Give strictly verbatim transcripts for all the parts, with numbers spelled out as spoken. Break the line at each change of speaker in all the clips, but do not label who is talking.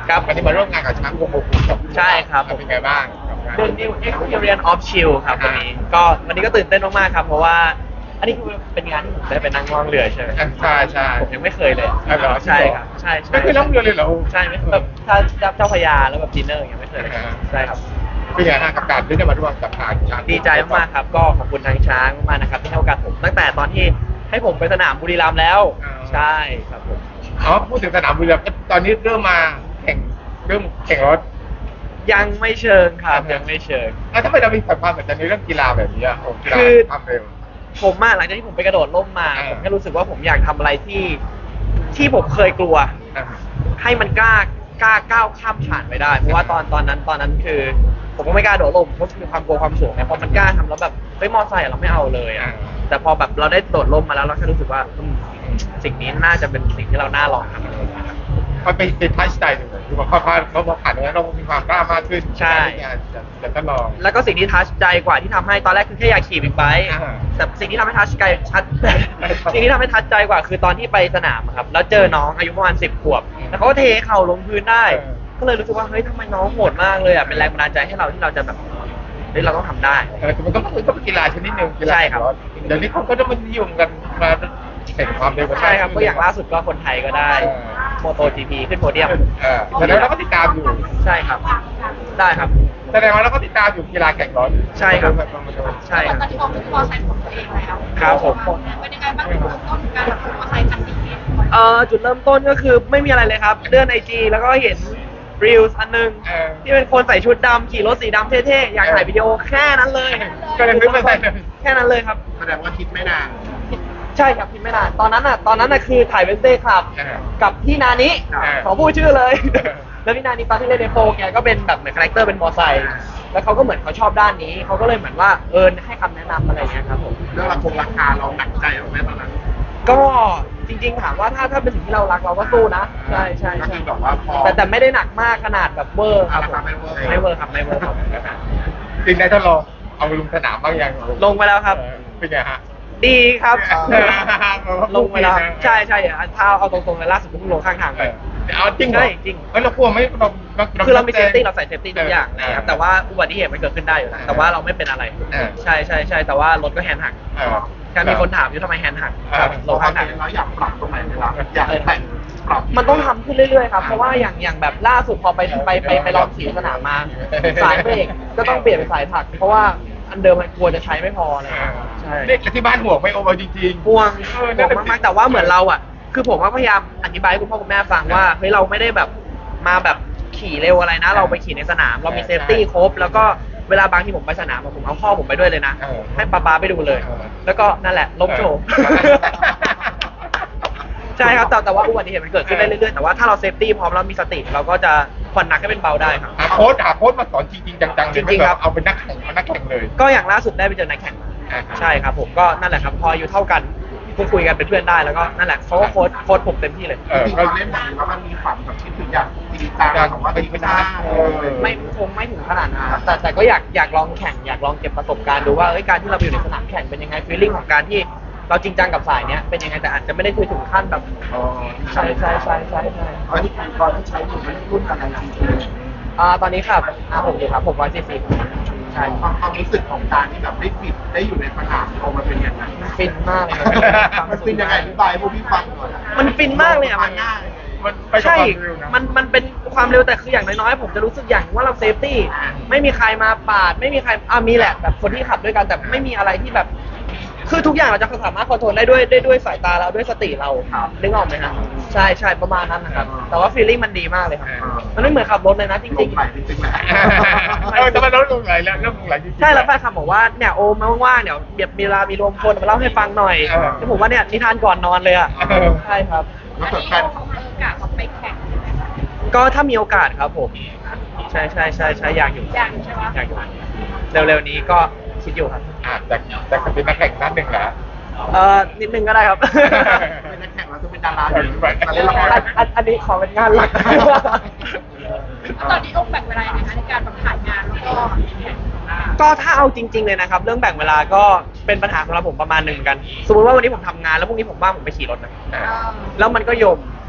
ครับ
วันนี้มาร่วมงานกับช้างวงโบกุ
ใช่ครับผม
เป็นไงบ้าง
The New Experience of Chill ครับวันนี้ก็วันนี้ก็ตื่นเต้นมากๆครับเพราะว่าอันนี้คือเป็นงานที่ผมได้ไปนั่งล่องเรือใช่ไหม
ใช่ใช่
ผมยังไม่เคยเลย
อ๋อเหรอ
ใช่ครับใช่ใช่
ไม่เคยล่องเรือเลยเหรอ
ใช่ไม่แบบถ้าเจ้าพระยาแล้วแบบดินเนอร์อย่างเงี้ยไม่เคยเลย
อ่า
ใช่ครับ
เป็นไงฮะกับการที่ได้มาร่วมกับทางช้าง
ดีใจมากๆครับก็ขอบคุณทางช้างมากๆนะครับที่ให้โอกาสผมตั้งแต่ตอนที่ให้ผมไปสนามบุรีรัมย์แล้วใช่ครับผม
อ๋อพูดถึงสนามบุรีรัมย์ตอนนี้เริ่มมาแข่งเริ่มแข่งรถ
ยังไม่เชิงครับ
อ่าฮะ
ยังไม่เชิง
แล้วทำไมเรามีความสนใจในเรื่องกีฬาแบบนี้อ่ะโอ้กีฬา
คือ
ความเร็ว
ผมมาหลังจากที่ผมไปกระโดดร่มมา
อ่า
ผมแค่รู้สึกว่าผมอยากทำอะไรที่ที่ผมเคยกลัว
อ่า
ให้มันกล้ากล้าก้าวข้ามผ่านไปได้เพราะว่าตอนตอนนั้นตอนนั้นคือ ผมก็ไม่กล้าโดดร่มเพราะมีความกลัวความสูงไงพอมันกล้าทำแล้วแบบเฮ้ยมอไซค์อะเราไม่เอาเลยอะแต่พอแบบเราได้โดดร่มมาแล้วเราแค่รู้สึกว่าอืมสิ่งนี้น่าจะเป็นสิ่งที่เราน่าลองทำ
มันเป็นเป็นทัชใจหนึ่งเลยคือพอผ่านเราพอผ่านตรงนั้นเรามีความกล้ามากขึ้น
ใช่
ที่จะจะจะทดลอง
แล้วก็สิ่งที่ทัชใจกว่าที่ทำให้ตอนแรกคือแค่อยากขี่บิ๊กไบค์
อ่า
แต่สิ่งที่ทำให้ทัชใจชัด สิ่งที่ทำให้ทัชใจกว่าคือตอนที่ไปสนามอะครับแล้วเจอน้องอายุประมาณสิบขวบแล้วเขาก็เทเข่าลงพื้นได้
เออ
ก็เลยรู้สึกว่าเฮ้ยทำไมน้องโหดมากเลยอ่ะเป็นแรงบันดาลใจให้เราที่เราจะแบบเฮ้ยเราต้องทำได้
เออแต่มันก็มันก็เป็นกีฬาชนิดหนึ่งกีฬา
ใช่ครับ
เดี๋ยวนี้เขาก็จะมานิยมกันมาแข่งความเร็วกัน
ใช่ครับก็อย่างล่าสุดก็คนไทยก็ได้
เออ
โมโตจีพีขึ้นโพเดียม
เออแต่แล้วเราก็ติดตามอยู่
ใช่ครับ ได้ครับ
แสดงว่าเราก็ติดตามอยู่กีฬาแข่งรถ
ใช่ครับ ใช่
ต
ค
อน
รับ
ที่เราเป็นมอไซค์ของตัวเองแล้ว
ครับผม
เป็นยังไงบ้างจุดเริ่มต้นการแบบมอไซค์คันนี้
เอ่อจุดเริ่มต้นก็คือไม่มีอะไรเลยครับเลื่อนไอจีแล้วก็เห็นรีลส์อันหนึง
เออ
ที่เป็นคนใส่ชุดดำขี่รถสีดำเท่ๆอยากถ่ายวิดีโอแค่นั้นเลย
ก็เลยซื้อมาใส่เลย
แค่นั้นเลยครับ
แสดงว่าคิดไม่นาน
ใช่ครับพิมพ์ไม่นานตอนนั้นอ่ะตอนนั้นอ่ะคือถ่ายเวนเซ่ครับ
เออ
กับพี่นานิ
เออ
ขอพูดชื่อเลย
เออ
แล้วพี่นานิตอนที่เล่นในโฟร์แกก็เป็นแบบเหมือนคาแรคเตอร์เป็นมอไซค์แล้วเขาก็เหมือนเขาชอบด้านนี้เขาก็เลยเหมือนว่าเออให้คำแนะนำอะไรอย่างเงี้ยครับผม
เรื่องราคงราคาเราหนักใจไหมตอนนั้น
ก็จริงๆถามว่าถ้าถ้าเป็นสิ่งที่เรารักเราก็สู้นะใช่ใช่
ก็
ใช่
คือแบบว่าพอ
แต่แต่ไม่ได้หนักมากขนาดแบบเวอร์ครับผม
อ่าไม่เวอร์
ไม่เวอร์ครับไม่เวอร์ครับ
จริงได้ทดลองเอาลงสนามบ้างยัง
ลงไปแล้วครับ
เออเป็นไงฮะ
ดีครับ
เออ
ลงไปแล้วครับใช่ใช่อ่ะถ้าเอาตรงๆเลยล่าสุดเพิ่งลงข้างทางไป
เอาจริงเหรอ
ใช่จริง
เฮ้ยเรากลัวไหมเรา
คือเรามีเซฟตี้เราใส่เซฟตี้ทุกอย่าง
เ
นะครับแต่ว่าอุบัติเหตุมันเกิดขึ้นได้อยู่แล้วแต่ว่าเราไม่เป็นอะไร
เออ
ใช่ใช่ใช่แต่ว่ารถก็แฮนด์หัก
เออ
แค่มีคนถามอยู่ทำไมแฮนด์หัก
เออ
ครับลงข้างทาง
เราอยากปรับตรงไหนไหมล่ะอยากแต่งปรับ
มันต้องทำขึ้นเรื่อยๆครับเพราะว่าอย่างอย่างแบบล่าสุดพอไปไปไปไปลองสีสนามมา สายเบรกก็ต้องเปลี่ยนเป็นสายถัก เพราะว่าอันเดิมมันกลัวจะใช้ไม่พออะไรอย่างเงี้ยใช่
เด็กที่บ้านห่วงไม่โอเวอร์จริงๆ
ห่วง
เออ
ห่วงมากๆแต่ว่าเหมือนเราอ่ะ คือผมว่าพยายามอธิบายให้คุณพ่อคุณแม่ฟังว่าเฮ้ยเราไม่ได้แบบมาแบบขี่เร็วอะไรนะ เราไปขี่ในสนาม เรามีเซฟตี้ครบ แล้วก็เวลาบางที่ผมไปสนามอะผมเอาพ่อผมไปด้วยเลยนะ
เออ
ให้ป๊าป๊าไปดูเลย
เออ
แล้วก็นั่นแหละล้มโชว์
เออ
ใช่ครับแต่แต่ว่าอุบัติเหตุมันเกิดขึ้นได้เรื่อยๆแต่ว่าถ้าเราเซฟตี้พร้อมแล้วมีสติ เราก็จะผ่อนหนักให้เป็นเบาได้ครับ
หาโค้ชหาโค้ชมาสอนจริงๆจังๆเลย
จริงๆครับ
เอาเป็นนักแข่งเอานักแข่งเลย
ก็อย่างล่าสุดได้ไปเจอนักแข่งมา
อ่าฮะ
ใช่ครับผมก็นั่นแหละครับพออายู่เท่ากันพูดคุยกันเป็นเพื่อนได้แล้วก็นั่นแหละเขาก็โค้ชโค้ชผมเต็มที่เลย
เออก็เล่นแบบนี้แล้วมันมีฝันแบบคิดถึงอยากจริงจังของว่าเป็นไม่ได้
ไม่คงไม่ถึงขนาดนั้นครับแต่แต่ก็อยากอยากลองแข่งอยากลองเก็บประสบการณ์ดูว่าเอ้ยการที่เราไปอยู่ในสนามแข่งเป็นยังไงฟีลลิ่งของการที่เราจริงจังกับสายเนี้ยเป็นยังไงแต่อาจจะไม่ได้คุยถึงขั้นแบบใช่ใช่ใช่ใช่ใช่
ตอนที่ตอนที่ใช้อยู่มันรุ่นอะไรจริง
อ่าตอนนี้ครับอ่าผมอยู่ครับผมร้อยสี่สิบใช่
ความความรู้สึกของการที่แบบได้ฟิตได้อยู่ในสนามโอมันเป็นยังไง
ฟินมากเลย
มันฟินยังไงอธิบายให้พวกพี่ฟังหน่อย
มันฟินมากเลยอ่ะมัน
มันไปกับ
ใช่
ความเร็วนะ
มันมันเป็นความเร็วแต่คืออย่างน้อยๆผมจะรู้สึกอย่างว่าเราเซฟตี้ไม่มีใครมาปาดไม่มีใครอ่ามีแหละแบบคนที่ขับด้วยกันแต่ไม่มีอะไรที่แบบ คือทุกอย่างเราจะสามารถคอนโทรลได้ด้วยได้ด้วยสายตาเราด้วยสติเรานึกออกไหมครับใช่ใช่ประมาณนั้นนะครับแต่ว่าฟีลลิ่งมันดีมากเลยครับมันไม่เหมือนขับรถเลยนะจริง
ลงไหลจริงๆแหละเออแต่มันลดลงไหลแล้วลดลงไหลจริงๆ
ๆใช่แล้วแฟนคลับบอกว่าเนี่ยโอมาว่างๆเดี๋ยวเดี๋ยวมีเวลามีรวมคนมาเล่าให้ฟังหน่อย
เออ
แล้วผมว่าเนี่ยนิทานก่อนนอนเลยอ่ะ
เออ
ใช่ครับ
อันนี้โอเขามีโอกาสไปแข่ง
ก็ถ้ามีโอกาสครับผมใช่ใช่ใช่ใช่อยากอยู่
อยากใช่ปะ
อยากอยู่เร็วๆนี้ก็คิดอยู่ครับ
อ่ะแต่แต่เป็นนักแข่งนัดหนึ่งเหรอ
เออนิดนึงก็ได้ครับ
เป็นนักแข่งเราจะเป็นดาราอยู่ด้วยมาเล่นละคร
อันอันอันนี้ขอเป็นงานหลัก
ตอนนี้ต้องแบ่งเวลายังไงคะในการแบบถ่ายงานแล้วก็แข่ง
ก็ถ้าเอาจริง ๆเลยนะครับ เรื่องแบ่งเวลาก็เป็นปัญหาสำหรับผมประมาณหนึ่งเหมือนกัน สมมติว่าวันนี้ผมทำงานแล้วพรุ่งนี้ผมว่างผมไปขี่รถนะ
อ่า
แล้วมันก็โยม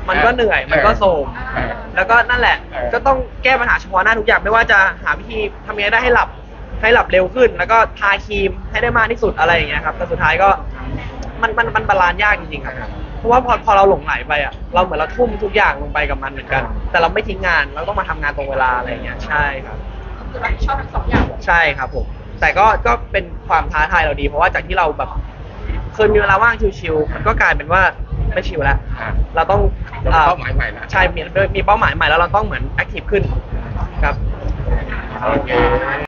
มันก็เหนื่อยมันก็โทรม
เออ
แล้วก็นั่นแหละ
เออ
ก็ต้องแก้ปัญหาเฉพาะหน้าทุกอย่างไม่ว่าจะหาวิธีทำยังไงได้ให้หลับให้หลับเร็วขึ้น แล้วก็ทาครีมให้ได้มากที่สุดอะไรอย่างเงี้ยครับแต่สุดท้ายก็มันมันมันบาลานซ์ยากจริงๆครับเพราะว่าพอพอเราหลงไหลไปอ่ะเราเหมือนเราทุ่มทุกอย่างลงไปกับมันเหมือนกัน แต่เราไม่ทิ้งงานเราต้องมาทำงานตรงเวลาอะไรอย่างเงี้ยใช่ครับ
คือรับผิดชอบทั้งสองอย่าง
ใช่ครับผมแต่ก็ก็เป็นความท้าทายเราดี เพราะว่าจากที่เราแบบเคยมีเวลาว่างชิวๆมันก็กลายเป็นว่าไม่ชิวแล้ว
อ่า
เราต้อง
เรามีเป้าหมายใหม่แล้ว
ใช่มีมีเป้าหมายใหม่แล้วเราต้องเหมือนแอคทีฟขึ้นครับ
โอเค